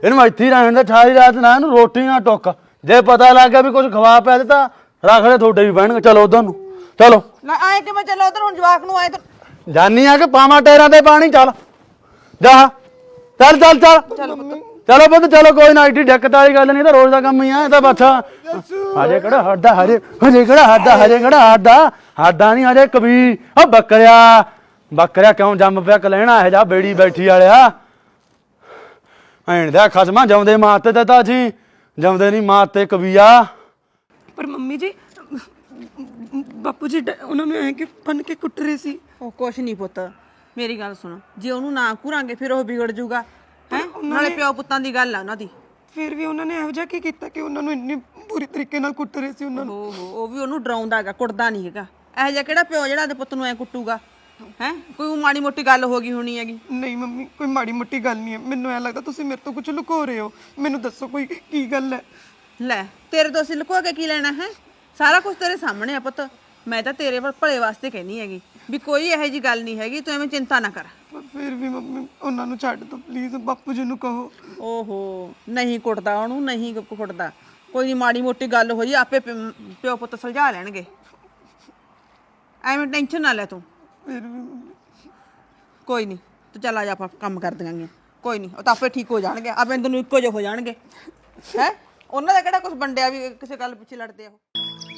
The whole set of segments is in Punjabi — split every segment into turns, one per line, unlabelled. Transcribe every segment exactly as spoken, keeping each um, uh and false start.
ਇਹਨੂੰ ਇੱਥੇ ਹੀ ਰਹਿਣ ਦੇ ਸਾਰੀ ਰਾਤ ਨਾ ਇਹਨੂੰ ਰੋਟੀ ਨਾ ਟੁੱਕ ਜੇ ਪਤਾ ਲੱਗ ਗਿਆ ਵੀ ਕੁਝ ਖਵਾ ਪਿਆ ਤਾਂ ਰੱਖ ਲੈ ਤੁਹਾਡੇ ਵੀ ਬਹਿਣਗੇ ਚਲੋ ਉਧਰ ਨੂੰ ਚਲੋ
ਲੈ ਆਏ ਕਿ ਮੈਂ ਚੱਲ ਉਧਰ ਹੁਣ ਜਵਾਕ ਨੂੰ ਆਏ ਤਾਂ
ਜਾਨੀ ਆ ਕਿ ਪਾਵਾਂ ਟੇਰਾਂ ਤੇ ਪਾਣੀ ਚੱਲ ਜਾ ਚੱਲ ਚੱਲ ਚੱਲ ਚਲੋ ਪੁੱਤ ਚਲੋ ਕੋਈ ਨਾ ਏਡੀ ਦਿੱਕਤ ਵਾਲੀ ਗੱਲ ਨਹੀਂ ਤਾਂ ਰੋਜ਼ ਦਾ ਕੰਮ ਹੀ ਆ ਇਹ ਤਾਂ ਬੱਚਾ ਹਜੇ ਕਿਹੜਾ ਹੱਡਾ ਹਜੇ ਹਜੇ ਕਿਹੜਾ ਹੱਡਾ ਹਜੇ ਕਿਹੜਾ ਹੱਡਾ ਹੱਡਾ ਨਹੀਂ ਹਜੇ ਕਬੀ ਉਹ ਬੱਕਰਿਆ ਬੱਕਰਿਆ ਕਿਉਂ ਜੰਮ ਪਿਆ ਕਲਹਿਣਾ ਇਹ ਜਾ ਬੇੜੀ ਬੈਠੀ ਵਾਲਿਆ ਐਣ ਦਾ ਖਸਮਾ ਜਮਦੇ ਮਾਤੇ ਤੇ ਤਾਂ ਜੀ ਜਮਦੇ ਨਹੀਂ ਮਾਤੇ ਕਬੀਆ
ਪਰ ਮੰਮੀ ਜੀ ਬਾਪੂ ਜੀ ਉਹਨਾਂ ਨੂੰ ਐ ਕਿ ਬੰਨ ਕੇ ਕੁੱਟ ਰਹੇ ਸੀ।
ਉਹ ਕੁਛ ਨਹੀਂ ਪੁੱਤ ਮੇਰੀ ਗੱਲ ਸੁਣ ਜੇ ਉਹਨੂੰ ਨਾ ਘੂਰਾਂਗੇ ਫਿਰ ਉਹ ਵਿਗੜ ਜਾਊਗਾ ਹੈ ਨਾਲੇ ਪਿਓ ਪੁੱਤਾਂ ਦੀ ਗੱਲ ਆ ਉਹਨਾਂ ਦੀ
ਫਿਰ ਵੀ ਉਹਨਾਂ ਨੇ ਇਹੋ ਜਿਹਾ ਕੀ ਕੀਤਾ ਕਿ ਉਹਨਾਂ ਨੂੰ ਇੰਨੀ ਬੁਰੀ ਤਰੀਕੇ ਨਾਲ ਕੁੱਟ ਰਹੇ ਸੀ ਉਹਨਾਂ ਨੂੰ।
ਓਹੋ ਉਹ ਵੀ ਉਹਨੂੰ ਡਰਾਉਂਦਾ ਹੈਗਾ ਕੁੱਟਦਾ ਨਹੀਂ ਹੈਗਾ ਇਹੋ ਜਿਹਾ ਕਿਹੜਾ ਪਿਓ ਜਿਹੜਾ ਦੇ ਪੁੱਤ ਨੂੰ ਐ ਕੁੱਟੂਗਾ ਹੈ ਕੋਈ ਮਾੜੀ ਮੋਟੀ ਗੱਲ ਹੋ ਗਈ ਹੋਣੀ ਹੈਗੀ।
ਨਹੀਂ ਮੰਮੀ ਕੋਈ ਮਾੜੀ ਮੋਟੀ ਗੱਲ ਨਹੀਂ ਹੈ ਮੈਨੂੰ ਐ ਲੱਗਦਾ ਤੁਸੀਂ ਮੇਰੇ ਤੋਂ ਕੁਝ ਲੁਕੋ ਰਹੇ ਹੋ ਮੈਨੂੰ ਦੱਸੋ ਕੋਈ ਕੀ ਗੱਲ ਹੈ।
ਲੈ ਤੇਰੇ ਤੋਂ ਅਸੀਂ ਲੁਕੋ ਕੇ ਕੀ ਲੈਣਾ ਹੈ ਸਾਰਾ ਕੁਝ ਤੇਰੇ ਸਾਹਮਣੇ ਆ ਪੁੱਤ ਮੈਂ ਤਾਂ ਤੇਰੇ ਭਲੇ ਵਾਸਤੇ ਕਹਿਨੀ ਹੈਗੀ ਵੀ ਕੋਈ ਇਹੋ ਜੀ ਗੱਲ ਨਹੀਂ ਹੈਗੀ ਤੂੰ ਐਵੇਂ ਚਿੰਤਾ ਨਾ ਕਰ।
ਪਰ ਫਿਰ ਵੀ ਮੰਮੀ ਉਹਨਾਂ ਨੂੰ ਛੱਡ ਦਿਓ ਪਲੀਜ਼ ਬਾਪੂ ਜੀ ਨੂੰ ਕਹੋ।
ਓਹੋ ਨਹੀਂ ਕੁੱਟਦਾ ਉਹਨੂੰ ਨਹੀਂ ਕੁੱਟਦਾ ਕੋਈ ਨਹੀਂ ਮਾੜੀ ਮੋਟੀ ਗੱਲ ਹੋਈ ਆਪੇ ਪਿਓ ਪੁੱਤ ਸੁਲਝਾ ਲੈਣਗੇ ਐਵੇਂ ਟੈਨਸ਼ਨ ਨਾ ਲੈ ਤੂੰ।
ਫਿਰ ਵੀ
ਕੋਈ ਨਹੀਂ ਤੂੰ ਚੱਲ ਆ ਜਾ ਆਪਾਂ ਕੰਮ ਕਰ ਦਿਆਂਗੇ ਕੋਈ ਨਹੀਂ ਉਹ ਤਾਂ ਆਪੇ ਠੀਕ ਹੋ ਜਾਣਗੇ ਆਪੇ ਤੈਨੂੰ ਇੱਕੋ ਜਿਹੇ ਹੋ ਜਾਣਗੇ ਹੈ ਉਹਨਾਂ ਦਾ ਕਿਹੜਾ ਕੁਝ ਵੰਡਿਆ ਵੀ ਕਿਸੇ ਗੱਲ ਪਿੱਛੇ ਲੜਦੇ ਆ ਉਹ।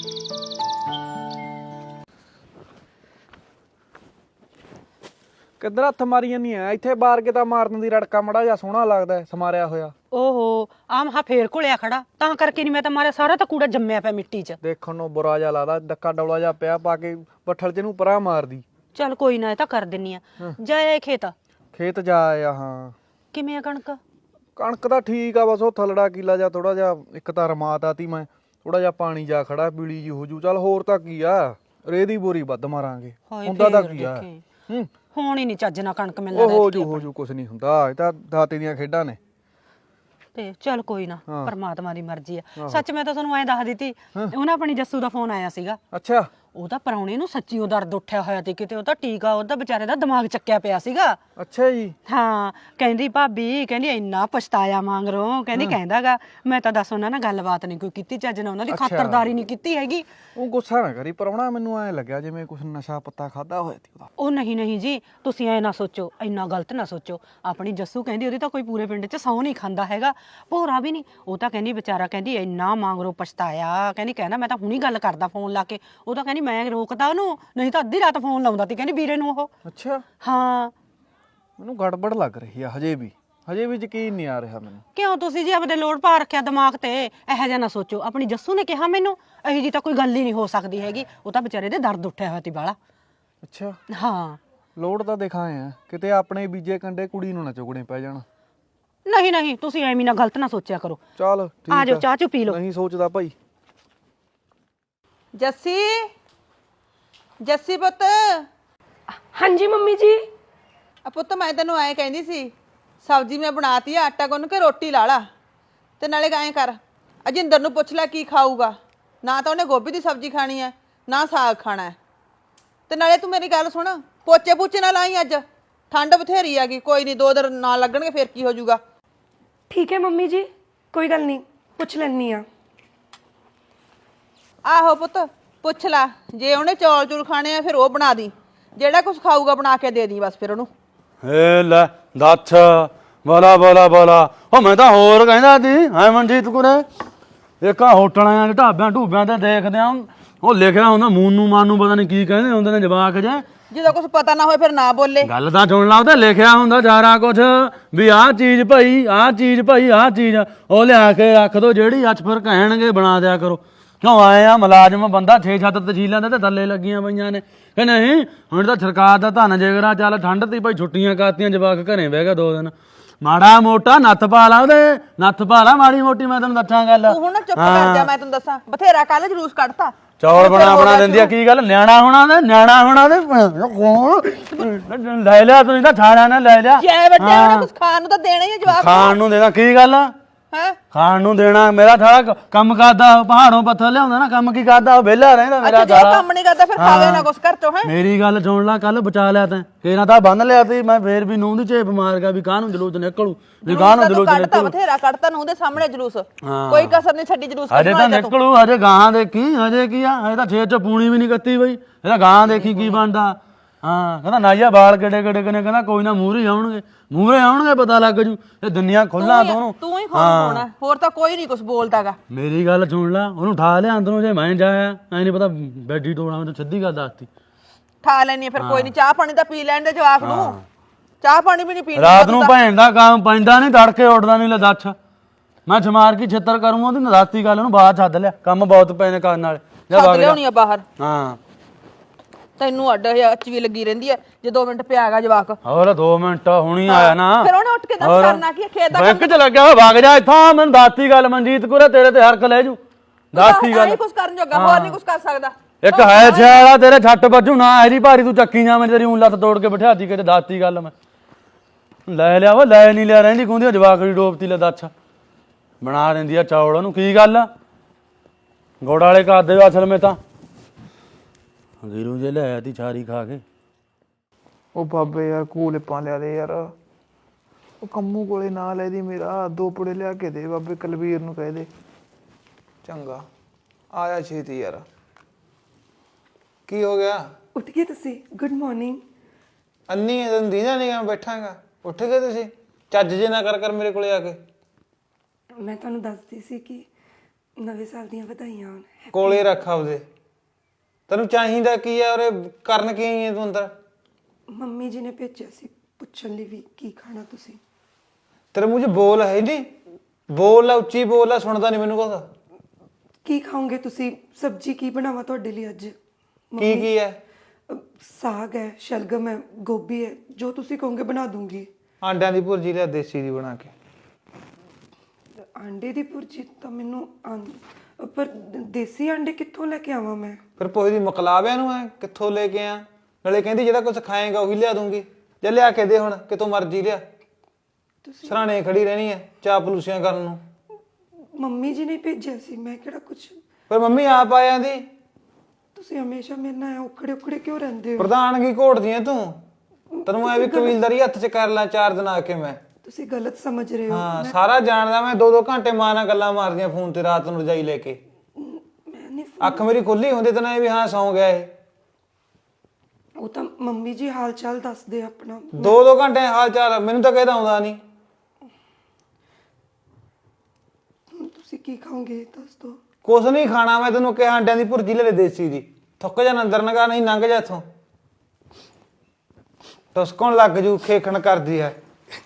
ਕਿੱਧਰ ਹੱਥ ਮਾਰੀ ਜਾਂਦੀ ਐ ਇੱਥੇ ਬਾਰ ਕੇ ਤਾਂ ਮਾਰਨ ਦੀ ਰੜਕਾ ਮੜਾ ਜਾਂ ਸੋਹਣਾ ਲੱਗਦਾ ਸਮਾਰਿਆ ਹੋਇਆ।
ਓਹੋ ਆ ਮਹਾ ਫੇਰ ਘੁਲਿਆ ਖੜਾ ਤਾਂ ਕਰਕੇ ਨਹੀਂ ਮੈਂ ਤਾਂ ਮਾਰਿਆ ਸਾਰਾ ਤਾਂ ਕੂੜਾ ਜੰਮਿਆ ਪਿਆ ਮਿੱਟੀ 'ਚ।
ਦੇਖਣ ਨੂੰ ਬੁਰਾ ਜਿਹਾ ਲੱਗਦਾ ਡੱਕਾ ਡੌਲਾ ਜਿਹਾ ਪਿਆ ਪਾ ਕੇ ਬੱਠਲ ਚ ਨੂੰ ਪਰਾਂ ਮਾਰਦੀ।
ਚੱਲ ਕੋਈ ਨਾ ਇਹ ਤਾਂ ਕਰ ਦਿੰਨੀ ਆ ਜਾਏ ਖੇਤ
ਖੇਤ ਜਾ ਆਇਆ ਹਾਂ।
ਕਿਵੇਂ ਆ ਕਣਕ?
ਕਣਕ ਤਾਂ ਠੀਕ ਆ ਬਸ ਉਹ ਥਲੜਾ ਕੀਲਾ ਜਾਂ ਥੋੜਾ ਜਿਹਾ ਇੱਕ ਤਾਂ ਰਮਾਤ ਆਤੀ ਮੈਂ ਥੋੜਾ ਜਿਹਾ ਪਾਣੀ ਜਾ ਖੜਾ ਪੀਲੀ ਜੀ ਹੋ ਜੂ ਚੱਲ ਹੋਰ ਤਾਂ ਕੀ ਆ ਰੇਹ ਦੀ ਬੋਰੀ ਵੱਧ ਮਾਰਾਂਗੇ ਹੁੰਦਾ ਤਾਂ ਕੀ ਆ ਹੂੰ
ਹੁਣ ਹੀ ਨਹੀਂ ਚੱਜ ਨਾਲ ਕਣਕ ਮਿਲਦਾ
ਉਹ ਹੋ ਜੂ ਹੋ ਜੂ ਕੁਛ ਨਹੀਂ ਹੁੰਦਾ ਇਹ ਤਾਂ ਦਾਤੇ ਦੀਆਂ ਖੇਡਾਂ ਨੇ।
ਤੇ ਚੱਲ ਕੋਈ ਨਾ ਪਰਮਾਤਮਾ ਦੀ ਮਰਜ਼ੀ ਆ। ਸੱਚ ਮੈਂ ਤਾਂ ਤੁਹਾਨੂੰ ਐਂ ਦੱਸ ਦਿੱਤੀ ਉਹਨਾਂ ਆਪਣੀ ਜੱਸੂ ਦਾ ਫੋਨ ਆਇਆ ਸੀਗਾ।
ਅੱਛਾ
ਉਹਦਾ ਪਰਾਉਣੇ ਨੂੰ ਸੱਚੀ ਉਹ ਦਰਦ ਉੱਠਿਆ ਹੋਇਆ ਤੇ ਕਿਤੇ ਉਹਦਾ ਟੀਕਾ ਉਹਦਾ ਵਿਚਾਰੇ ਦਾ ਦਿਮਾਗ ਚੱਕਿਆ ਪਿਆ ਸੀਗਾ।
ਅੱਛਾ ਜੀ
ਹਾਂ ਕਹਿੰਦੀ ਭਾਬੀ ਕਹਿੰਦੀ ਇੰਨਾ ਪਛਤਾਇਆ ਮੰਗਰੋਂ ਕਹਿੰਦੀ ਕਹਿੰਦਾਗਾ ਮੈਂ ਤਾਂ ਦੱਸ ਉਹਨਾਂ ਨਾਲ ਗੱਲਬਾਤ ਨਹੀਂ ਕੋਈ ਕੀਤੀ ਚੱਜ ਨਾਲ ਉਹਨਾਂ ਦੀ ਖਾਤਰਦਾਰੀ ਨਹੀਂ ਕੀਤੀ ਹੈਗੀ।
ਉਹ ਗੁੱਸਾ ਨਾ ਕਰੀ ਪਰਾਉਣਾ ਮੈਨੂੰ ਐ ਲੱਗਿਆ ਜਿਵੇਂ ਕੁਛ ਨਸ਼ਾ ਪੱਤਾ ਖਾਦਾ ਹੋਇਆ ਸੀ ਉਹਦਾ।
ਉਹ ਨਹੀਂ ਨਹੀਂ ਜੀ ਤੁਸੀਂ ਐ ਨਾ ਸੋਚੋ ਇੰਨਾ ਗਲਤ ਨਾ ਸੋਚੋ ਆਪਣੀ ਜੱਸੂ ਕਹਿੰਦੀ ਉਹਦੀ ਤਾਂ ਕੋਈ ਪੂਰੇ ਪਿੰਡ 'ਚ ਸਹੁੰ ਨਹੀਂ ਖਾਂਦਾ ਹੈਗਾ ਭੋਰਾ ਵੀ ਨਹੀਂ ਉਹ ਤਾਂ ਕਹਿੰਦੀ ਵਿਚਾਰਾ ਕਹਿੰਦੀ ਇੰਨਾ ਮੰਗਰੋਂ ਪਛਤਾਇਆ ਕਹਿੰਦੀ ਕਹਿੰਦਾ ਮੈਂ ਤਾਂ ਹੁਣੀ ਗੱਲ ਕਰਦਾ ਫੋਨ ਲਾ ਕੇ ਉਹ ਤਾਂ ਕਹਿੰਦੀ ਮੈਂ ਰੋਕਦਾ ਉਹਨੂੰ ਨਹੀਂ ਤਾਂ ਅੱਧੀ ਰਾਤ ਫੋਨ ਲਾਉਂਦਾ ਤੀ ਕਹਿੰਦੀ ਵੀਰੇ ਨੂੰ ਉਹ।
ਅੱਛਾ
ਹਾਂ
ਮੈਨੂੰ ਗੜਬੜ ਲੱਗ ਰਹੀ ਆ ਹਜੇ ਵੀ ਹਜੇ ਵੀ ਯਕੀਨ ਨਹੀਂ ਆ ਰਿਹਾ ਮੈਨੂੰ।
ਕਿਉਂ ਤੁਸੀਂ ਜੀ ਆਪਦੇ ਲੋੜ ਪਾ ਰੱਖਿਆ ਦਿਮਾਗ ਤੇ ਇਹੋ ਜਿਹਾ ਨਾ ਸੋਚੋ ਆਪਣੀ ਜੱਸੂ ਨੇ ਕਿਹਾ ਮੈਨੂੰ ਇਹੋ ਜੀ ਤਾਂ ਕੋਈ ਗੱਲ ਹੀ ਨਹੀਂ ਹੋ ਸਕਦੀ ਹੈਗੀ ਉਹ ਤਾਂ ਵਿਚਾਰੇ ਦੇ ਦਰਦ ਉੱਠਿਆ ਹੋਇਆ ਤੀ ਬਾਲਾ।
ਅੱਛਾ
ਹਾਂ
ਲੋੜ ਤਾਂ ਦਿਖਾਏ ਆ ਕਿਤੇ ਆਪਣੇ ਬੀਜੇ ਕੰਡੇ ਕੁੜੀ ਨੂੰ ਨਾ ਚੁਗਣੇ ਪੈ ਜਾਣ।
ਨਹੀਂ ਨਹੀਂ ਤੁਸੀਂ ਐਵੇਂ ਨਾ ਗਲਤ ਨਾ ਸੋਚਿਆ ਕਰੋ।
ਚੱਲ ਠੀਕ
ਆ ਜਾਓ ਚਾਹ ਚੁ ਪੀ ਲਓ।
ਨਹੀਂ ਸੋਚਦਾ ਭਾਈ।
ਜੱਸੀ ਜੱਸੀ ਪੁੱਤ
ਹਾਂਜੀ ਮੰਮੀ ਜੀ।
ਆ ਪੁੱਤ ਮੈਂ ਤੈਨੂੰ ਐਂ ਕਹਿੰਦੀ ਸੀ ਸਬਜ਼ੀ ਮੈਂ ਬਣਾਤੀ ਆ ਆਟਾ ਗੁੰਨ ਕੇ ਰੋਟੀ ਲਾ ਲਾ ਤੇ ਨਾਲੇ ਐਂ ਕਰ ਅਜਿੰਦਰ ਨੂੰ ਪੁੱਛ ਲੈ ਕੀ ਖਾਊਗਾ ਨਾ ਤਾਂ ਉਹਨੇ ਗੋਭੀ ਦੀ ਸਬਜ਼ੀ ਖਾਣੀ ਹੈ ਨਾ ਸਾਗ ਖਾਣਾ ਹੈ ਤੇ ਨਾਲੇ ਤੂੰ ਮੇਰੀ ਗੱਲ ਸੁਣ ਪੋਚੇ ਪੂਚੇ ਨਾ ਲਾਈ ਅੱਜ ਠੰਡ ਬਥੇਰੀ ਹੈਗੀ ਕੋਈ ਨਹੀਂ ਦੋ ਦਿਨ ਨਾ ਲੱਗਣਗੇ ਫਿਰ ਕੀ ਹੋ ਜਾਊਗਾ।
ਠੀਕ ਹੈ ਮੰਮੀ ਜੀ ਕੋਈ ਗੱਲ ਨਹੀਂ ਪੁੱਛ ਲੈਣੀ ਆ।
ਆਹੋ ਪੁੱਤ ਪੁੱਛ ਲੈ ਜੇ ਉਹਨੇ ਚੌਲ ਚੂਲ ਖਾਣੇ ਆ ਫਿਰ ਉਹ ਬਣਾ ਦੀ ਜਿਹੜਾ ਕੁਝ ਖਾਊਗਾ ਬਣਾ ਕੇ ਦੇ ਦੀ ਬਸ ਫਿਰ ਉਹਨੂੰ।
ਏ ਲੈ ਦੱਛ ਬੋਲਾ ਬੋਲਾ ਬੋਲਾ ਉਹ ਮੈਂ ਤਾਂ ਹੋਰ ਕਹਿੰਦਾ ਸੀ ਹਾਂ ਮਨਜੀਤ ਕੁਰੇ ਇੱਕ ਆ ਹੋਟਲਾਂ ਢਾਬਿਆਂ ਢੂਬਿਆਂ ਤੇ ਦੇਖਦੇ ਆ ਉਹ ਲਿਖਿਆ ਹੁੰਦਾ ਮੂਨ ਨੂੰ ਮਾਨ ਨੂੰ ਪਤਾ ਨਹੀਂ ਕੀ ਕਹਿੰਦੇ ਹੁੰਦੇ ਨੇ ਜਵਾਕ ਜੇ
ਜਦੋਂ ਕੁਝ ਪਤਾ ਨਾ ਹੋਏ ਫਿਰ ਨਾ ਬੋਲੇ।
ਗੱਲ ਤਾਂ ਸੁਣ ਲਾ ਉਹਦੇ ਲਿਖਿਆ ਹੁੰਦਾ ਸਾਰਾ ਕੁਝ ਵੀ ਆਹ ਚੀਜ਼ ਭਾਈ ਆਹ ਚੀਜ਼ ਭਾਈ ਆਹ ਚੀਜ਼ ਉਹ ਲਿਆ ਕੇ ਰੱਖ ਦੋ ਜਿਹੜੀ ਅੱਜ ਫਿਰ ਕਹਿਣਗੇ ਬਣਾ ਦਿਆ ਕਰੋ। ਕਿਉਂ ਆਏ ਆ ਮੁਲਾਜ਼ਮ ਬੰਦਾ ਛੇ ਛੱਤ ਤਹਿਸੀਲਾਂ ਦੇ ਤੇ ਥੱਲੇ ਲੱਗੀਆਂ ਪਈਆਂ ਨੇ ਕਿ ਨਹੀਂ ਹੁਣ ਤਾਂ ਸਰਕਾਰ ਦਾ ਧੰਨ ਜਿਗਰਾ ਚੱਲ ਠੰਡ ਤੀ ਭਾਈ ਛੁੱਟੀਆਂ ਕਾਤੀਆਂ ਜਵਾਕ ਘਰੇ ਬਹਿ ਗਿਆ ਦੋ ਦਿਨ ਮਾੜਾ ਮੋਟਾ ਨੱਥ ਪਾ ਲਾ ਉਹਦੇ ਨੱਥ ਪਾ ਲਾ ਮਾੜੀ ਮੋਟੀ ਮੈਂ ਤੈਨੂੰ ਦੱਸਾਂ ਗੱਲ।
ਤੂੰ ਹੁਣ ਚੁੱਪ ਕਰ ਜਾ ਮੈਂ ਤੈਨੂੰ ਦੱਸਾਂ ਬਥੇਰਾ ਕੱਲ ਜਲੂਸ ਕੱਢਤਾ
ਚੌਲ ਬਣਾ ਬਣਾ ਦਿੰਦੀ ਆ ਕੀ ਗੱਲ ਨਿਆਣਾ ਹੋਣਾ ਦੇ ਨਿਆਣਾ ਹੋਣਾ ਦੇ ਕੌਣ ਲੈ ਲਿਆ ਤੁਸੀਂ ਤਾਂ ਸਾਰਿਆਂ ਨੇ ਲੈ ਲਿਆ
ਜੈ ਵੱਡੇ ਉਹਨੇ ਕੁਝ ਖਾਣ ਨੂੰ ਤਾਂ ਦੇਣਾ ਹੀ ਆ ਜਵਾਬ
ਖਾਣ ਨੂੰ ਦੇਣਾ ਕੀ ਗੱਲ
ਹੈ
ਖਾਣ ਨੂੰ ਦੇਣਾ ਮੇਰਾ ਸਾਰਾ ਕੰਮ ਕਰਦਾ ਉਹ ਪਹਾੜੋਂ ਪੱਥਰ ਲਿਆਉਂਦਾ ਨਾ ਕੰਮ ਕੀ ਕਰਦਾ ਉਹ ਵਿਹਲਾ ਰਹਿੰਦਾ ਮੇਰਾ
ਅੱਛਾ ਜੇ ਉਹ
ਸਾਰਾ
ਕੰਮ ਨਹੀਂ ਕਰਦਾ ਫਿਰ ਖਾਵੇ ਨਾ ਕੁਛ ਘਰ ਚੋਂ ਹੈ
ਮੇਰੀ ਗੱਲ ਸੁਣ ਲੈ ਕੱਲ ਬਚਾ ਲਿਆ ਤੈਂ ਕਿਹਨਾਂ ਤਾਂ ਬੰਨ ਲਿਆ ਤੀ ਮੈਂ ਫੇਰ ਵੀ ਨੂੰਹ ਦੀ ਝੇਪ ਮਾਰ ਗਿਆ ਵੀ ਕਾਹਨੂੰ ਜਲੂਸ ਨਿਕਲੂ ਵੀ ਕਾਹਨੂੰ
ਤੂੰ
ਜਲੂਸ
ਕੱਢਤਾ
ਨਿਕਲੂ
ਬਥੇਰਾ ਕੱਢਤਾ ਨੂੰ ਉਹਦੇ ਸਾਹਮਣੇ ਜਲੂਸ
ਹਾਂ।
ਕੋਈ ਕਸਰ ਨਹੀਂ ਛੱਡੀ ਜਲੂਸ
ਹਜੇ ਤਾਂ ਨਿਕਲੂ ਹਜੇ ਗਾਂ ਦੇਖੀ ਹਜੇ ਕੀ ਆ ਹਜੇ ਤਾਂ ਛੇ ਚ ਪੂਣੀ ਵੀ ਨਹੀਂ ਕੱਤੀ ਬਈ ਇਹਦਾ ਗਾਂ ਦੇਖੀ ਕੀ ਬਣਦਾ ਹਾਂ ਕਹਿੰਦਾ ਨਾਈਆ ਬਾਲ ਕਿਹੜੇ ਕਿਹੜੇ ਕਨੇ ਕਹਿੰਦਾ ਕੋਈ ਨਾ ਮੂਹਰੇ ਆਉਣਗੇ ਮੂਹਰੇ ਆਉਣਗੇ ਪਤਾ ਲੱਗ ਜੂ ਇਹ ਦੁਨੀਆ ਖੁੱਲਾ ਤੋਂ ਉਹਨੂੰ
ਤੂੰ ਹੀ ਖੋਲ ਪਾਉਣਾ ਹੋਰ ਤਾਂ ਕੋਈ ਨਹੀਂ ਕੁਝ ਬੋਲਦਾਗਾ
ਮੇਰੀ ਗੱਲ ਸੁਣ ਲੈ ਉਹਨੂੰ ਠਾ ਲਿਆ ਅੰਦਰੋਂ ਜੇ ਮੈਂ ਜਾਇਆ ਐ ਨਹੀਂ ਪਤਾ ਬੈਡੀ ਟੋਣਾ ਮੈਂ ਸਿੱਧੀ ਗੱਲ ਦੱਸਤੀ
ਠਾ ਲੈਣੀ ਫਿਰ ਕੋਈ ਨਹੀਂ ਚਾਹ ਪਾਣੀ ਤਾਂ ਪੀ ਲੈਣ ਦੇ ਜਵਾਕ ਨੂੰ ਚਾਹ ਪਾਣੀ ਵੀ ਨਹੀਂ ਪੀਂਦਾ
ਰਾਤ ਨੂੰ ਭੈਣ ਦਾ ਕੰਮ ਪੈਂਦਾ ਨਹੀਂ ਤੜਕੇ ਉੱਠਦਾ ਨਹੀਂ ਲੈ ਦੱਸ ਮੈਂ ਛਮਾਰ ਕੀ ਛਿੱਤਰ ਕਰੂੰਗਾ ਉਹਦੀ ਨਰਾਤੀ ਗੱਲ ਉਹਨੂੰ ਬਾਹਰ ਛੱਡ ਲਿਆ ਕੰਮ ਬਹੁਤ ਪਏ ਨੇ ਕਰਨ ਵਾਲੇ ਜਾ
ਛੱਡ
ਵਗ ਜਾ
ਲਿਆਉਣੀ ਆ ਬਾਹਰ
ਹਾਂ
ਤੈਨੂੰ ਅੱਡ ਅੱਚ ਵੀ ਲੱਗੀ ਰਹਿੰਦੀ ਐ ਜੇ ਦੋ ਮਿੰਟ ਪਿਆਗਾ ਜਵਾਕ
ਹੋਰ ਦੋ ਮਿੰਟ ਹੁਣੀ ਆਇਆ ਨਾ
ਫਿਰ ਉਹਨੇ ਉੱਠ ਕੇ ਦੱਸ ਕਰਨਾ ਕੀ ਖੇਤ ਦਾ
ਬੈਂਕ ਚ ਲੱਗਿਆ ਹੋਇਆ ਵਗ ਜਾ ਇੱਥੋਂ ਮੈਨੂੰ ਦੱਸਤੀ ਗੱਲ ਮਨਜੀਤ ਕੋਲੇ ਤੇਰੇ ਤੇ ਹਰਕ ਲੈ ਜੂ ਦੱਸਤੀ ਗੱਲ
ਕੁਝ ਕਰਨ ਜੋਗਾ ਹੋਰ ਨਹੀਂ ਕੁਝ ਕਰ ਸਕਦਾ
ਇੱਕ ਹੈ ਛਿਆਲਾ ਤੇਰੇ ਛੱਟ ਵੱਜੂ ਨਾ ਐਰੀ ਭਾਰੀ ਤੂੰ ਚੱਕੀ ਜਾ ਮੈਂ ਤੇਰੀ ਊਂ ਲੱਤ ਤੋੜ ਕੇ ਬਿਠਾਤੀ ਕਿਤੇ ਦੱਸਤੀ ਗੱਲ ਮੈਂ ਲੈ ਲਿਆ ਵਾ ਲੈ ਨਹੀਂ ਲਿਆ ਰਹਿੰਦੀ ਗੁੰਦੀ ਜਵਾਕੜੀ ਡੋਬਤੀ ਲੈ ਦੱਸ ਬਣਾ ਦਿੰਦੀ ਆ ਚੌਲ ਉਹਨੂੰ ਕੀ ਗੱਲ ਗੋੜ ਵਾਲੇ ਕਰਦੇ ਅਸਲ ਮੇ ਤਾਂ ਗੀਰੂ ਜੇ ਲੈ ਆਤੀ ਛਾਰੀ ਖਾ ਕੇ
ਉਹ ਬਾਬੇ ਯਾਰ ਕੂਲਿਪਾਂ ਲਿਆ ਦੇ ਯਾਰ ਉਹ ਕੰਮੂ ਕੋਲੇ ਨਾ ਲੈ ਦੀ ਮੇਰਾ ਦੋ ਪੁੜੇ ਲਿਆ ਕੇ ਦੇ ਬਾਬੇ ਕਲਵੀਰ ਨੂੰ ਕਹਿ ਦੇ ਚੰਗਾ ਆਇਆ ਛੇਤੀ ਯਾਰ ਕੀ ਹੋ ਗਿਆ
ਉੱਠ ਗਏ ਤੁਸੀਂ ਗੁੱਡ ਮਾਰਨਿੰਗ
ਅੰਨੀ ਇਹ ਦਿਨ ਦੀਦਾ ਨਹੀਂ ਮੈਂ ਬੈਠਾਂਗਾ ਉੱਠ ਗਏ ਤੁਸੀਂ ਚੱਜ ਜੇ ਨਾ ਕਰ ਕਰ ਮੇਰੇ ਕੋਲੇ ਆ ਕੇ
ਮੈਂ ਤੁਹਾਨੂੰ ਦੱਸਦੀ ਸੀ ਕਿ ਨਵੇਂ ਸਾਲ ਦੀਆਂ ਵਧਾਈਆਂ ਹੋਣ
ਕੋਲੇ ਰੱਖ ਆਪਦੇ ਤੈਨੂੰ ਚਾਹੀਦਾ ਕੀ ਆ ਔਰ ਕਰਨ ਕੀ ਆਈ ਹੈ ਤੂੰ ਅੰਦਰ
ਮੰਮੀ ਜੀ ਨੇ ਭੇਜਿਆ ਸੀ ਪੁੱਛਣ ਲਈ ਵੀ ਕੀ ਖਾਣਾ ਤੁਸੀਂ
ਤੇਰੇ ਮੂੰਹ 'ਚ ਬੋਲ ਹੈ ਨਹੀਂ ਬੋਲ ਆ ਉੱਚੀ ਬੋਲ ਆ ਸੁਣਦਾ ਨਹੀਂ ਮੈਨੂੰ ਕੁਛ
ਕੀ ਖਾਓਗੇ ਤੁਸੀਂ ਸਬਜ਼ੀ ਕੀ ਬਣਾਵਾਂ ਤੁਹਾਡੇ ਲਈ ਅੱਜ
ਕੀ ਕੀ ਹੈ
ਅ, ਸਾਗ ਹੈ ਸ਼ਲਗਮ ਹੈ ਗੋਭੀ ਹੈ ਜੋ ਤੁਸੀਂ ਕਹੋਗੇ ਬਣਾ ਦੂੰਗੀ
ਆਂਡਿਆਂ ਦੀ ਭੁਰਜੀ ਲਿਆ ਦੇਸੀ ਦੀ ਬਣਾ ਕੇ
ਆਂਡੇ ਦੀ ਭੁਰਜੀ ਤਾਂ ਮੈਨੂੰ ਆਂ- ਪਰ ਦੇਸੀ ਆਂਡੇ ਕਿੱਥੋਂ ਲੈ ਕੇ ਆਵਾਂ ਮੈਂ
ਫਿਰ ਪੋਹੇ ਦੀ ਮਕਲਾਬਿਆਂ ਨੂੰ ਐ ਕਿੱਥੋਂ ਲੈ ਕੇ ਆ ਨਾਲੇ ਕਹਿੰਦੀ ਜਿਹੜਾ ਕੁਝ ਖਾਏਗਾ ਉਹੀ ਲਿਆ ਦੂੰਗੀ ਜੇ ਲਿਆ ਕੇ ਦੇ ਹੁਣ ਕਿਤੋਂ ਮਰਜ਼ੀ ਲਿਆ
ਤੁਸੀਂ
ਸਰਾਣੇ ਖੜੀ ਰਹਿਣੀ ਐ ਚਾਹ ਪਲੂਸੀਆਂ ਕਰਨ ਨੂੰ
ਮੰਮੀ ਜੀ ਨੇ ਭੇਜਿਆ ਸੀ ਮੈਂ ਕਿਹੜਾ ਕੁਝ
ਫਿਰ ਮੰਮੀ ਆਪ ਆ ਜਾਂਦੀ
ਤੁਸੀਂ ਹਮੇਸ਼ਾ ਮੇਰੇ ਨਾਲ ਉਖੜੇ ਉਖੜੇ ਕਿਉਂ ਰਹਿੰਦੇ ਹੋ
ਪ੍ਰਧਾਨਗੀ ਘੋਟਦੀ ਐ ਤੂੰ ਤੈਨੂੰ ਐ ਵੀ ਕਬੀਲਦਾਰੀ ਹੱਥ 'ਚ ਕਰ ਲਾਂ ਚਾਰ ਦਿਨ ਆ ਕੇ ਮੈਂ
ਤੁਸੀਂ ਗਲਤ ਸਮਝ ਰਹੇ ਹੋ
ਹਾਂ ਸਾਰਾ ਜਾਣਦਾ ਮੈਂ ਦੋ ਦੋ ਘੰਟੇ ਮਾਂ ਨਾਲ ਗੱਲਾਂ ਮਾਰਦੀਆਂ ਫੋਨ ਤੇ ਰਾਤ ਨੂੰ ਰਜਾਈ ਲੈ ਕੇ
ਮੈਂ ਨਹੀਂ
ਅੱਖ ਮੇਰੀ ਖੁੱਲੀ ਹੁੰਦੀ ਤਾਂ ਇਹ ਵੀ ਹਾਂ ਸੌਂ ਗਿਆ ਇਹ
ਉਹ ਤਾਂ ਮੰਮੀ ਜੀ ਹਾਲ ਚਾਲ ਦੱਸਦੇ ਆ ਆਪਣਾ
ਦੋ ਦੋ ਘੰਟੇ ਹਾਲ ਚਾਲ ਮੈਨੂੰ ਤਾਂ ਕਹਿਦਾ ਆਉਂਦਾ ਨਹੀਂ
ਹੁਣ ਤੁਸੀਂ ਕੀ ਖਾਓਗੇ ਦੱਸ ਦੋ
ਕੁਛ ਨਹੀਂ ਖਾਣਾ ਮੈਂ ਤੈਨੂੰ ਕਿਹਾ ਆਂਡਿਆਂ ਦੀ ਭੁਰਜੀ ਲੈ ਲੈ ਦੇਸੀ ਦੀ ਥੁੱਕ ਜਾ ਅੰਦਰ ਨਗਾ ਨਹੀਂ ਲੰਘ ਜਾ ਇੱਥੋਂ ਟਸਕਣ ਲੱਗ ਜੂ ਖੇਖਣ ਕਰਦੀ ਐ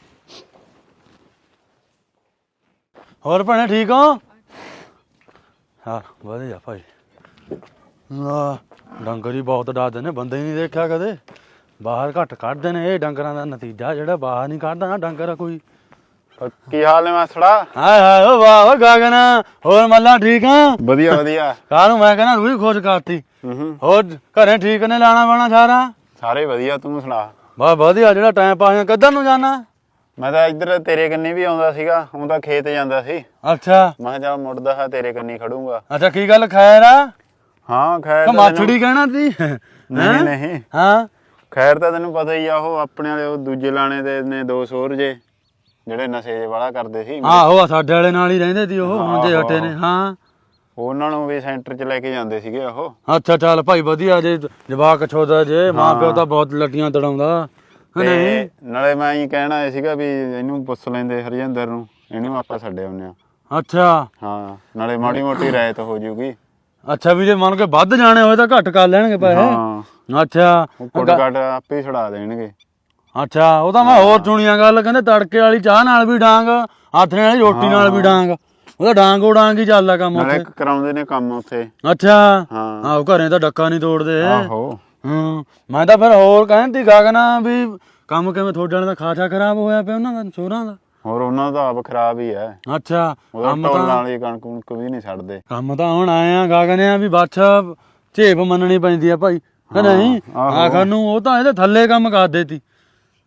ਹੋਰ ਭੈਣੇ ਠੀਕ ਹੋ ਹਾਂ ਵਧੀਆ ਭਾਈ ਆ ਡੰਗਰ ਹੀ ਬਹੁਤ ਡਰਦੇ ਨੇ ਬੰਦੇ ਹੀ ਨਹੀਂ ਦੇਖਿਆ ਕਦੇ ਬਾਹਰ ਘੱਟ ਕੱਢਦੇ ਨੇ ਇਹ ਡੰਗਰਾਂ ਦਾ ਨਤੀਜਾ ਜਿਹੜਾ ਬਾਹਰ ਨਹੀਂ ਕੱਢਦਾ ਨਾ ਡੰਗਰ ਕੋਈ
ਕੀ ਹਾਲ ਨੇ ਮਾਸੜਾ
ਹਾਏ ਹਾਏ ਓ ਵਾਹ ਓ ਗਗਨ ਹੋਰ ਮੱਲਾ ਠੀਕ ਆ
ਵਧੀਆ ਵਧੀਆ
ਕਾਹਨੂੰ ਮੈਂ ਕਹਿੰਦਾ ਰੂਹੀ ਖੁਸ਼ ਕਰਤੀ
ਹੂੰ
ਹੋਰ ਘਰੇ ਠੀਕ ਨੇ ਲਾਣਾ ਬਾਣਾ ਸਾਰਾ
ਸਾਰੇ ਵਧੀਆ ਤੂੰ ਸੁਣਾ
ਬਾ ਵਧੀਆ ਜਿਹੜਾ ਟਾਈਮ ਪਾਸ ਕਿੱਧਰ ਨੂੰ ਜਾਣਾ
ਮੈਂ ਤਾਂ ਇੱਧਰ ਤੇਰੇ ਕੰਨੀ ਵੀ ਆਉਂਦਾ ਸੀਗਾ ਹੁਣ ਤਾਂ ਖੇਤ ਜਾਂਦਾ ਸੀ
ਅੱਛਾ
ਮੈਂ ਕਿਹਾ ਚੱਲ ਮੁੜਦਾ ਹਾਂ ਤੇਰੇ ਕੰਨੀ ਖੜੂੰਗਾ
ਅੱਛਾ ਕੀ ਗੱਲ ਖੈਰ ਆ
ਹਾਂ ਖੈਰ
ਕਿ
ਤਾਂ
ਮਾਛੜੀ ਕਹਿਣਾ ਤੀ
ਤੈਨੂੰ- ਨਹੀਂ ਨਹੀਂ
ਹਾਂ
ਖੈਰ ਤਾਂ ਤੈਨੂੰ ਪਤਾ ਹੀ ਆ ਉਹ ਆਪਣੇ ਵਾਲੇ ਉਹ ਦੂਜੇ ਲਾਣੇ ਦੇ ਨੇ ਦੋ ਸੋਰ ਜੇ ਜਿਹੜੇ ਨਸ਼ੇ ਜੇ ਵਾਲਾ ਕਰਦੇ ਸੀ
ਆਹੋ ਸਾਡੇ ਵਾਲੇ ਨਾਲ ਹੀ ਰਹਿੰਦੇ ਸੀ ਉਹ ਹੁਣ ਜੇ ਹਟੇ ਨੇ ਹਾਂ
ਉਹਨਾਂ ਨੂੰ ਵੀ ਸੈਂਟਰ 'ਚ ਲੈ ਕੇ ਜਾਂਦੇ ਸੀਗੇ ਉਹ
ਅੱਛਾ ਚੱਲ ਭਾਈ ਵਧੀਆ ਜੇ ਜਵਾਕ ਛੋਦਾ ਜੇ ਮਾਂ ਪਿਓ ਤਾਂ ਬਹੁਤ ਲੱਟੀਆਂ ਤੜਾਉਂਦਾ ਨਹੀਂ
ਤੇ ਨਾਲੇ ਮੈਂ ਹੀ ਕਹਿਣਾ ਆਇਆ ਸੀਗਾ ਵੀ ਇਹਨੂੰ ਪੁੱਛ ਲੈਂਦੇ ਹਰਜਿੰਦਰ ਨੂੰ ਇਹਨੂੰ ਆਪਾਂ ਛੱਡੇ ਆਉਂਦੇ ਆ
ਅੱਛਾ
ਹਾਂ ਨਾਲੇ ਮਾੜੀ ਮੋਟੀ ਰਾਇਤ ਹੋ ਜੂਗੀ
ਅੱਛਾ ਵੀ ਜੇ ਮੰਨ ਕੇ ਵੱਧ ਜਾਣੇ ਹੋਏ ਤਾਂ ਘੱਟ ਕਰ ਲੈਣਗੇ ਪੈਸੇ
ਹਾਂ
ਅੱਛਾ
ਉਹ ਕੁੱਟ ਕੱਟ ਆਪੇ ਹੀ ਛੁਡਾ ਦੇਣਗੇ
ਅੱਛਾ ਉਹ ਤਾਂ ਮੈਂ ਹੋਰ ਸੁਣੀਆਂ ਗੱਲ ਕਹਿੰਦੇ ਤੜਕੇ ਵਾਲੀ ਚਾਹ ਨਾਲ ਵੀ ਡਾਂਗ ਆਥਣੇ ਵਾਲੀ ਰੋਟੀ ਨਾਲ ਵੀ ਡਾਂਗ ਉਹਦਾ ਡਾਂਗੋ ਡਾਂਗ ਹੀ ਚੱਲਦਾ ਕੰਮ
ਨਾਲੇ
ਉੱਥੇ
ਕਰਾਉਂਦੇ ਨੇ ਕੰਮ ਉੱਥੇ
ਅੱਛਾ
ਹਾਂ
ਆਹੋ ਘਰੇ ਤਾਂ ਡੱਕਾ ਨਹੀਂ ਤੋੜਦੇ
ਆਹੋ
ਹਾਂ ਮੈਂ ਤਾਂ ਫਿਰ ਹੋਰ ਕਹਿੰਦੀ ਗਗਨਾ ਵੀ ਕੰਮ ਕਿਵੇਂ ਤੁਹਾਡੇ ਵਾਲੇ ਦਾ ਖਾਸਾ ਖਰਾਬ ਹੋਇਆ ਪਿਆ ਉਹਨਾਂ ਦਾ ਚੋਰਾਂ ਦਾ
ਹੋਰ ਉਹਨਾਂ ਦਾ ਆਪ ਖਰਾਬ ਹੀ ਹੈ
ਅੱਛਾ
ਉਹਦਾ
ਕੰਮ
ਢੋਲ
ਤਾਂ
ਨਾਲ ਹੀ ਕਣਕ ਕੁਣਕ ਵੀ ਨਹੀਂ ਛੱਡਦੇ
ਕੰਮ ਤਾਂ ਹੁਣ ਆਏ ਆ ਗਗਨਿਆ ਵੀ ਬਾਛਾ ਝੇਪ ਮੰਨਣੀ ਪੈਂਦੀ ਆ ਭਾਈ ਕਿ ਨਹੀਂ
ਆਹੋ।
ਆਖਰ ਨੂੰ ਉਹ ਤਾਂ ਇਹਦੇ ਥੱਲੇ ਕੰਮ ਕਰਦੇ ਤੀ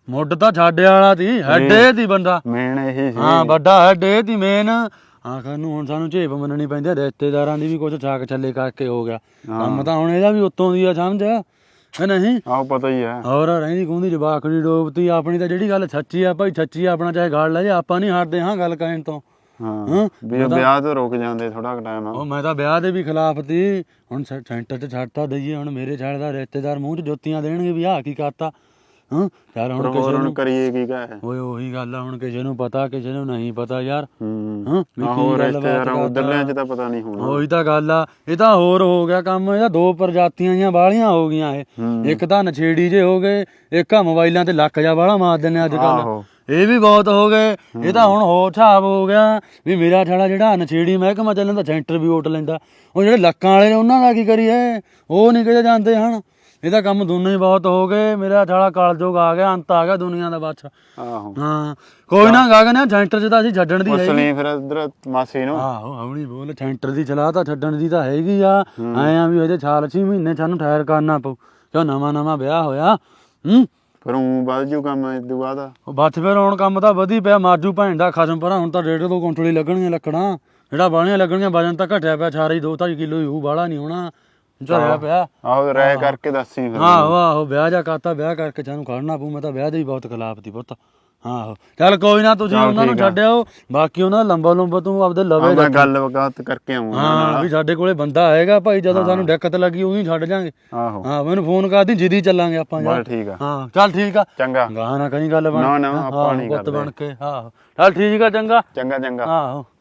ਮੁੱਢ ਤਾਂ ਛਾੜੇ ਵਾਲਾ ਸੀ ਹੈਡੇ ਦੀ ਬੰਦਾ
ਮੇਨ ਇਹੀ ਸੀ।
ਹਾਂ ਵੱਡਾ ਹੈਡੇ ਦੀ ਮੇਨ ਆਖਰ ਨੂੰ ਹੁਣ ਸਾਨੂੰ ਝੇਪ ਮੰਨਣੀ ਪੈਂਦੀ ਆ, ਰਿਸ਼ਤੇਦਾਰਾਂ ਦੀ ਵੀ ਕੁਝ ਛਾਕ ਛੱਲੇ ਕਰਕੇ ਹੋ ਗਿਆ ਕੰਮ ਤਾਂ ਹੁਣ ਇਹਦਾ ਵੀ ਉੱਤੋਂ ਦੀ ਆ ਸਮਝ ਹੈ ਨਹੀਂ।
ਆਹੋ ਪਤਾ ਹੀ ਹੈ।
ਹੋਰ ਰਹਿੰਦੀ ਖੂੰਦੀ ਜਵਾਕੜੀ ਡੋਬਤੀ ਆਪਣੀ ਤਾਂ ਜਿਹੜੀ ਗੱਲ ਸੱਚੀ ਆ ਭਾਈ ਸੱਚੀ ਆ, ਆਪਣਾ ਚਾਹੇ ਗਾਲ ਲੈ ਜੇ ਆਪਾਂ ਨਹੀਂ ਹਟਦੇ ਹਾਂ ਗੱਲ ਕਹਿਣ ਤੋਂ।
ਹਾਂ ਵੀ ਉਹ ਵਿਆਹ ਤੋਂ ਰੁਕ ਜਾਂਦੇ ਥੋੜਾ ਟਾਈਮ।
ਉਹ ਮੈਂ ਤਾਂ ਵਿਆਹ ਦੇ ਵੀ ਖਿਲਾਫ ਤੀ, ਹੁਣ ਸੈ- ਸੈਂਟਰ 'ਚ ਛੱਡਤਾ ਦਈਏ, ਹੁਣ ਮੇਰੇ ਛੱਡ ਦਾ ਰਿਸ਼ਤੇਦਾਰ ਮੂੰਹ 'ਚ ਜੁੱਤੀਆਂ ਦੇਣਗੇ ਵੀ ਆਹ ਕੀ ਕਰਤਾ। ਹਾਂ ਚੱਲ ਹੁਣ ਕਿਸੇ
ਹੋਰ ਹੁਣ
ਨੂੰ
ਕਰੀਏ ਕੀ ਕਹੇ।
ਓਏ ਉਹੀ ਗੱਲ ਆ, ਹੁਣ ਕਿਸੇ ਨੂੰ ਪਤਾ ਕਿਸੇ ਨੂੰ ਨਹੀਂ ਪਤਾ ਯਾਰ।
ਹੂੰ
ਹਾਂ ਵੀ
ਆਹੋ
ਕੀ ਗੱਲ
ਰਿਸ਼ਤੇਦਾਰਾਂ ਉਧਰਲਿਆਂ 'ਚ ਤਾਂ ਪਤਾ ਨਹੀਂ ਹੋਣਾ।
ਉਹੀ ਤਾਂ ਗੱਲ ਆ, ਇਹ ਤਾਂ ਹੋਰ ਹੋ ਗਿਆ ਕੰਮ। ਇਹਦਾ ਦੋ ਪ੍ਰਜਾਤੀਆਂ ਦੀਆਂ ਬਾਹਲੀਆਂ ਹੋ ਗਈਆਂ ਇਹ, ਇੱਕ ਤਾਂ ਨਛੇੜੀ ਜੇ ਹੋ ਗਏ, ਇੱਕ ਆ ਮੋਬਾਈਲਾਂ ਤੇ ਲੱਕ ਜਾ ਬਾਹਲਾ ਮਾਰ ਦਿੰਦੇ ਅੱਜ ਕੱਲ।
ਆਹੋ
ਇਹ ਵੀ ਬਹੁਤ ਹੋ ਗਏ। ਇਹ ਤਾਂ ਹੁਣ ਹੋਰ ਹਿਸਾਬ ਹੋ ਗਿਆ ਵੀ ਮੇਰਾ ਛਾਲਾ ਜਿਹੜਾ ਨਛੇੜੀ ਮਹਿਕਮਾ ਚੱਲਣ ਦਾ ਸੈਂਟਰ ਵੀ ਵੋਟ ਲੈਂਦਾ, ਉਹ ਜਿਹੜੇ ਲੱਕਾਂ ਵਾਲੇ ਨੇ ਉਹਨਾਂ ਦਾ ਕੀ ਕਰੀਏ, ਉਹ ਨਹੀਂ ਕਿਤੇ ਜਾਂਦੇ ਹਨ। ਇਹਦਾ ਕੰਮ ਦੋਨੇ ਹੀ ਬਹੁਤ ਹੋ ਗਏ। ਮੇਰਾ ਛਾਲਾ ਕਾਲਜੋਗ ਆ ਗਿਆ, ਅੰਤ ਆ ਗਿਆ ਦੁਨੀਆ ਦਾ ਬਸ।
ਆਹੋ
ਹਾਂ ਕੋਈ ਨਾ ਗਾਗਨ ਸੈਂਟਰ 'ਚ ਤਾਂ ਅਸੀਂ ਛੱਡਣ ਦੀ
ਉਸ
ਹੈ।
ਲਈ ਫਿਰ ਉਧਰ ਮਾਸੀ ਨੂੰ
ਆਹੋ ਹੌਲੀ ਬੋਲ, ਸੈਂਟਰ ਦੀ ਸਲਾਹ ਤਾਂ ਛੱਡਣ ਦੀ ਤਾਂ ਹੈਗੀ ਆ। ਐ ਆ ਵੀ ਅਜੇ ਸਾਲ ਛੇ ਮਹੀਨੇ ਸਾਨੂੰ ਠਹਿਰ ਕਰਨਾ ਪਊ ਕਿਉਂ ਨਵਾਂ ਨਵਾਂ ਵਿਆਹ ਹੋਇਆ। ਹੂੰ
ਫਿਰ ਉਹ ਵੱਧ ਜੂ ਕੰਮ ਇਸ ਤੋਂ ਬਾਅਦ।
ਉਹ ਬੱਚ ਫਿਰ ਹੁਣ ਕੰਮ ਤਾਂ ਵਧੀ ਪਿਆ, ਮਾਜੂ ਭੈਣ ਦਾ ਖਸਮ ਪਰਾਂ। ਹੁਣ ਤਾਂ ਡੇਢ ਦੋ ਕੁਇੰਟਲ ਹੀ ਲੱਗਣਗੀਆਂ ਲੱਕੜਾਂ, ਜਿਹੜਾ ਬਾਹਲੀਆਂ ਲੱਗਣਗੀਆਂ। ਵਜਨ ਤਾਂ ਘਟਿਆ ਪਿਆ, ਸਾਰਾ ਹੀ ਦੋ ਢਾਈ ਕਿਲੋ ਹੀ ਹੋਊ, ਬਾਹਲਾ ਨਹੀਂ ਹੋਣਾ। ਝਰਿਆ ਪਿਆ।
ਆਹੋ ਰਹਿ ਕਰਕੇ ਦੱਸੀ ਫਿਰ।
ਆਹੋ ਆਹੋ ਵਿਆਹ ਜਾ ਕਰਤਾ, ਵਿਆਹ ਕਰਕੇ ਸਾਨੂੰ ਖੜਨਾ ਪਊ। ਮੈਂ ਤਾਂ ਵਿਆਹ ਦੇ ਵੀ ਬਹੁਤ ਖਿਲਾਫ ਦੀ ਪੁੱਤ। ਆਹੋ ਚੱਲ ਕੋਈ ਨਾ, ਤੁਸੀਂ ਉਹਨਾਂ ਨੂੰ ਛੱਡਿਓ, ਬਾਕੀ ਉਹਨਾਂ ਦਾ ਲੰਬਾ ਲੰਬਾ ਤੂੰ ਆਪਦੇ ਲਵੇ
ਮੈਂ ਗੱਲ ਵਕਾਤ ਕਰਕੇ ਆਉਂਗਾ।
ਹਾਂ ਵੀ ਸਾਡੇ ਕੋਲੇ ਬੰਦਾ ਹੈਗਾ ਭਾਈ, ਜਦੋਂ ਸਾਨੂੰ ਦਿੱਕਤ ਲੱਗੀ ਉਹੀ ਛੱਡ ਜਾਾਂਗੇ।
ਆਹੋ
ਹਾਂ ਮੈਨੂੰ ਫੋਨ ਕਰਦੀ, ਜਿੱਦੀ ਚੱਲਾਂਗੇ ਆਪਾਂ ਯਾਰ।
ਬਸ ਠੀਕ ਆ।
ਹਾਂ ਚੱਲ ਠੀਕ ਆ,
ਚੰਗਾ
ਗਾਹ ਨਾ ਕਹੀਂ ਗੱਲ ਬਣ।
ਨਾ ਨਾ ਆਪਾਂ ਨਹੀਂ
ਪੁੱਤ
ਕਰਦੇ।
ਬਣ ਕੇ ਆਹੋ ਚੱਲ ਠੀਕ ਆ, ਚੰਗਾ
ਚੰਗਾ ਚੰਗਾ।
ਆਹੋ।